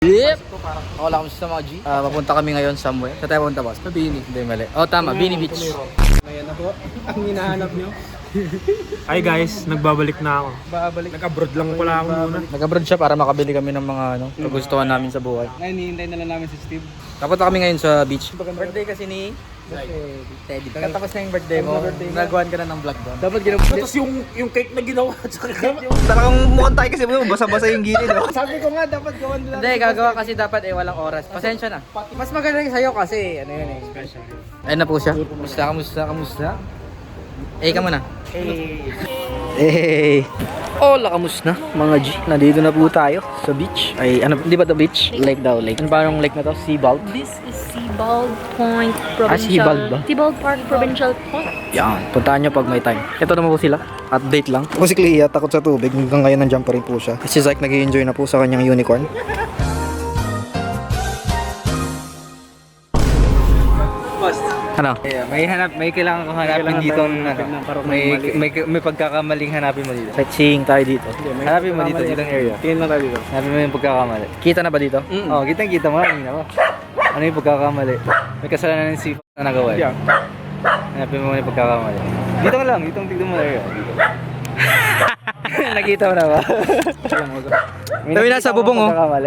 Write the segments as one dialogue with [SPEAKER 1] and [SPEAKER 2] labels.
[SPEAKER 1] Yep! Wala kami sa mga G. Papunta kami ngayon somewhere. Sa tayo punta, boss? Sa Bini. Hindi, mali. Oh, tama. Bini Beach.
[SPEAKER 2] Ayan na po. Ang hinahanap nyo.
[SPEAKER 3] Hi guys, nagbabalik na ako.
[SPEAKER 2] Babalik.
[SPEAKER 3] Nag-abroad lang pala ako muna.
[SPEAKER 1] Nag-abroad siya para makabili kami ng mga kagustuhan namin sa buhay.
[SPEAKER 2] Ngayon, hihintay na lang namin si Steve.
[SPEAKER 1] Papunta kami ngayon sa beach. Birthday kasi ni Teddy. Katapos na yung birthday mo, nagawan ka na ng vlog doon.
[SPEAKER 2] Dapat ginawa.
[SPEAKER 3] Tapos yung cake na ginawa at saka cake yung...
[SPEAKER 4] Talagang mukhang tayo kasi basa-basa yung gilid. No?
[SPEAKER 2] Sabi ko nga, dapat gawan nila.
[SPEAKER 1] Hindi, gagawa kasi dapat walang oras. Pasensya na. Mas magaling sa'yo kasi, ano yun eh. Special. Ayun na po siya. Kamusta? Eh, ka muna.
[SPEAKER 4] Hey! Hola, kamusta mga G? Nandito na po tayo sa beach. Ay, ano, di ba the beach? Lake daw, lake. Ano ba yung lake na to? Seabald?
[SPEAKER 5] This is Seabald Point Provincial.
[SPEAKER 4] Seabald ba?
[SPEAKER 5] Seabald Park Provincial Point.
[SPEAKER 4] Yan, puntahan nyo pag may time. Ito naman po sila. Update lang. Kung si Clea, takot sa tubig. Hanggang ngayon nandiyan pa rin po siya. Si Zyke nag-i-enjoy na po sa kanyang unicorn. Ano?
[SPEAKER 1] May kailangan kong hanapin dito. May pagkakamaling hanapin mo dito.
[SPEAKER 4] Sightseeing tayo dito.
[SPEAKER 1] Hanapin mo dito, ditong area.
[SPEAKER 2] Tingin lang tayo dito.
[SPEAKER 1] Hanapin mo yung pagkakamali.
[SPEAKER 4] Kita na ba dito?
[SPEAKER 1] Oo, kita mo. Kanina pa. Ano yung pagkakamali? May kasalanan ng sipa na nagawa.
[SPEAKER 2] Yeah.
[SPEAKER 1] Hanapin mo yung pagkakamali. Dito ka lang, ditong tignan mo area. Dito. Nakita mo na ba?
[SPEAKER 4] Dami na sa bubong, oh.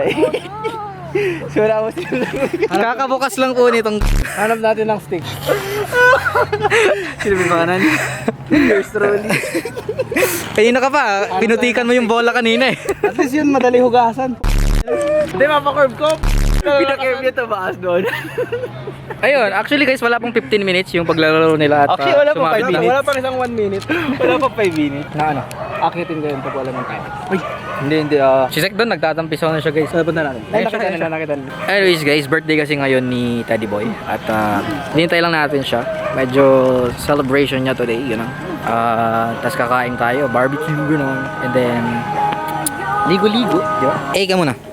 [SPEAKER 1] Sura mo sila.
[SPEAKER 4] Kakabukas lang po nitong...
[SPEAKER 2] Hanap natin ng stick.
[SPEAKER 1] Sino may pakanan? Yours truly.
[SPEAKER 4] Kanina ka pa, pinutikan mo yung bola kanina eh.
[SPEAKER 2] At least yun, madali hugasan.
[SPEAKER 1] Hindi, mapakurve ko. Pinakirve niya ito baas doon.
[SPEAKER 4] Ayun, actually guys, wala pong 15 minutes yung paglalaro nila at
[SPEAKER 1] Actually, wala pa 5 minutes.
[SPEAKER 2] Wala pang isang 1 minute.
[SPEAKER 1] Wala pa 5 minutes.
[SPEAKER 4] Na ano?
[SPEAKER 2] Akitin ko yun pag wala ng time.
[SPEAKER 1] Hindi.
[SPEAKER 4] Si Zyke doon, nagtatampisaw na siya guys.
[SPEAKER 2] Punta natin.
[SPEAKER 1] Ay, nakita nila.
[SPEAKER 4] Anyways guys, birthday kasi ngayon ni Teddy Boy at hinintay lang natin siya. Medyo celebration niya today, yun know. Tapos kakain tayo, barbecue, gano'n. And then, ligo-ligo, di ba? Eh, ka muna.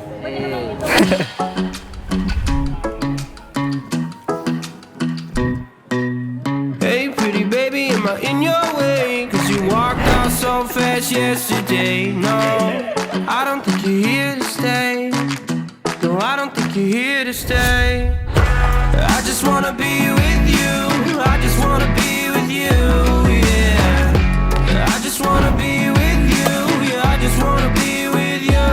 [SPEAKER 6] Hey pretty baby, am I in your way? Cause you walked out so fast yesterday. No, I don't think you're here to stay. No, I don't think you're here to stay. I just wanna be with you. I just wanna be with you, yeah. I just wanna be with you. Yeah, I just wanna be with you.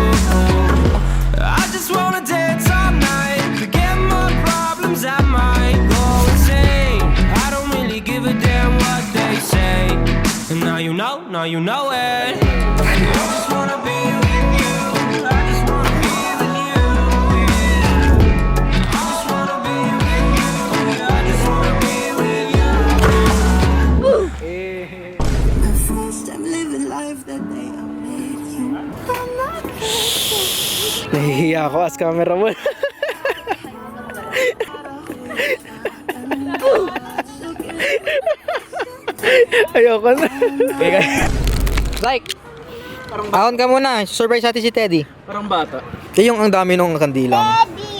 [SPEAKER 6] I just wanna dance all night. Forget my problems, I might go insane. I don't really give a damn what they say. And now you know it. I just wanna be with you. I just wanna be with you, yeah. I just wanna be with you. Yeah, I just wanna be with you.
[SPEAKER 7] First, I'm living life that they all made you. I'm not
[SPEAKER 2] Nahihiya ako as camera mo. Ayoko na.
[SPEAKER 4] Zyke! Ahon ka muna, surprise natin si Teddy.
[SPEAKER 2] Parang bata.
[SPEAKER 4] Yung ang dami nung kandila mo.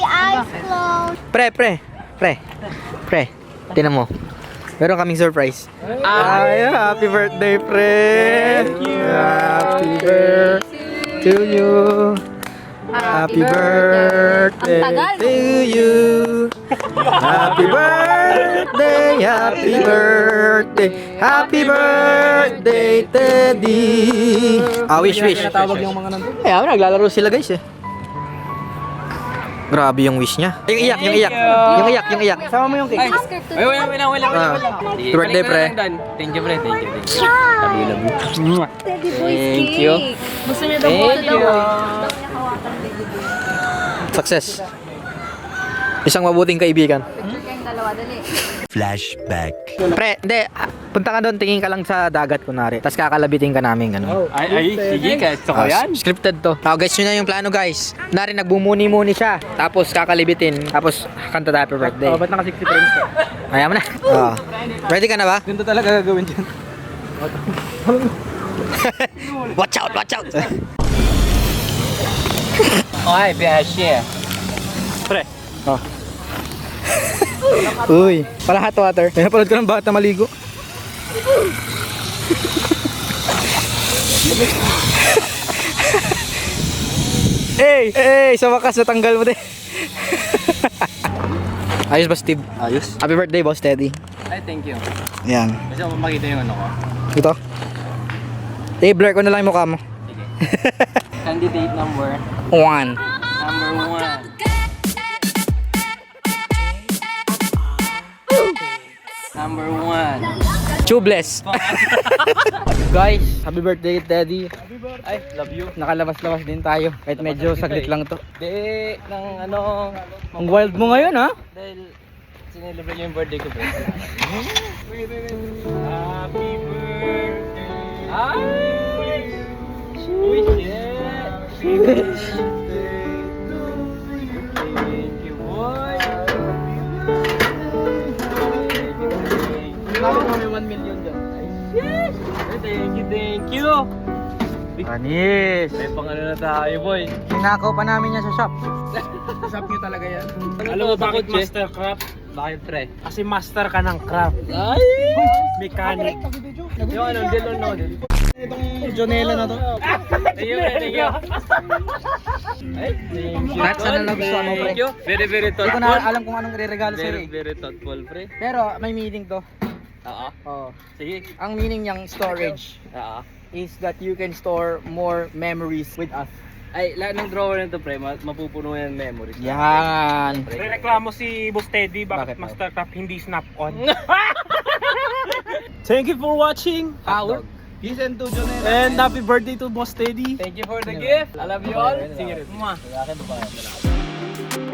[SPEAKER 4] Pre, tinan mo. Meron kaming surprise. Ay, happy birthday, pre! Thank you! Happy birthday to you! Happy birthday to you! Happy birthday, happy birthday, happy birthday, Teddy! Wish.
[SPEAKER 2] Tawag yung mga nandun.
[SPEAKER 4] Ay, naglalaro sila guys eh. Grabe yung wish niya. Yung iyak.
[SPEAKER 2] Sama mo yung cake.
[SPEAKER 1] Wala.
[SPEAKER 4] Happy birthday, pre.
[SPEAKER 1] Thank you, pre. Thank you.
[SPEAKER 5] Teddy Boy's
[SPEAKER 1] Thank
[SPEAKER 5] cake.
[SPEAKER 1] you.
[SPEAKER 5] Gusto niya daw
[SPEAKER 1] Thank you.
[SPEAKER 4] Success. Isang mabuting kaibigan.
[SPEAKER 5] Kayong dalawa, dali.
[SPEAKER 6] Flashback.
[SPEAKER 4] Pre, hindi. Punta ka doon, tingin ka lang sa dagat kunwari. Tapos kakalabitin ka namin, ano.
[SPEAKER 1] Ay, sige, gusto ko yan.
[SPEAKER 4] Scripted to. Guys, yun na yung plano, guys. Nari, nagbumuni-muni siya. Tapos kakalibitin. Tapos kanta tayo happy birthday.
[SPEAKER 2] Ba't naka 60 frames ka?
[SPEAKER 4] Ayaw mo na. Ready ka na ba?
[SPEAKER 2] Ganito talaga gagawin dyan.
[SPEAKER 4] Watch out!
[SPEAKER 1] Okay, Biashi.
[SPEAKER 4] Pre. Uy, pala hot water. May napanood ko ng bata maligo. Hey, sa wakas natanggal mo din. Ayos ba, Steve?
[SPEAKER 2] Ayos.
[SPEAKER 4] Happy birthday, Boss Teddy.
[SPEAKER 2] Ay, thank you.
[SPEAKER 4] Yan.
[SPEAKER 2] Kasi ako makita yung ano ko.
[SPEAKER 4] Ito. Blur ko na lang yung mukha mo.
[SPEAKER 2] Candidate number
[SPEAKER 4] 1.
[SPEAKER 2] number 1. Number 1.
[SPEAKER 4] Tubeless. Guys, happy birthday, Teddy.
[SPEAKER 2] Ay, love you.
[SPEAKER 4] Nakalabas-labas din tayo. Kahit medyo saglit lang to.
[SPEAKER 2] Di, ng ano,
[SPEAKER 4] Ang wild mo ngayon, ha?
[SPEAKER 2] dahil sinelebrate yung birthday ko, bro. Happy birthday. Ay! Uy, shit! Thank you, boy!
[SPEAKER 4] Bakit mo may 1 million dyan?
[SPEAKER 2] Thank you!
[SPEAKER 4] Anis!
[SPEAKER 2] May pang ano na tayo, boy.
[SPEAKER 4] Hinakaw pa namin yan sa shop.
[SPEAKER 1] Shop nyo talaga yan.
[SPEAKER 3] Alam mo bakit
[SPEAKER 2] Kotse?
[SPEAKER 3] master craft?
[SPEAKER 2] Bakit, pre?
[SPEAKER 3] Kasi master ka ng craft.
[SPEAKER 2] Ay!
[SPEAKER 3] Mechanic.
[SPEAKER 2] Yung ano, deal or no deal?
[SPEAKER 4] Itong Jonela na to.
[SPEAKER 2] Thank you, thank you. Ay, thank you.
[SPEAKER 4] Kahit sana lang gusto mo, pre.
[SPEAKER 2] Thank you. Very, very
[SPEAKER 4] Hindi ko
[SPEAKER 2] thoughtful.
[SPEAKER 4] na alam kung anong re-regalo sa'yo
[SPEAKER 2] Very,
[SPEAKER 4] eh.
[SPEAKER 2] very thoughtful, pre.
[SPEAKER 4] Pero may meaning to.
[SPEAKER 2] Oo.
[SPEAKER 4] Oh.
[SPEAKER 2] Sige.
[SPEAKER 4] Ang meaning niyang storage
[SPEAKER 2] Oo.
[SPEAKER 4] is that you can store more memories with us.
[SPEAKER 2] Ay, lahat ng drawer nito, pre, mapupuno yan memories.
[SPEAKER 4] Yan.
[SPEAKER 3] Reklamo si Boss Teddy, bakit
[SPEAKER 4] Bakit?
[SPEAKER 3] Mastercraft hindi snap-on? Thank you for watching.
[SPEAKER 2] Power.
[SPEAKER 4] Listen to Jonela.
[SPEAKER 3] And happy birthday to Boss Teddy.
[SPEAKER 2] Thank you for the gift. I love you all. Sige rin. Mwah.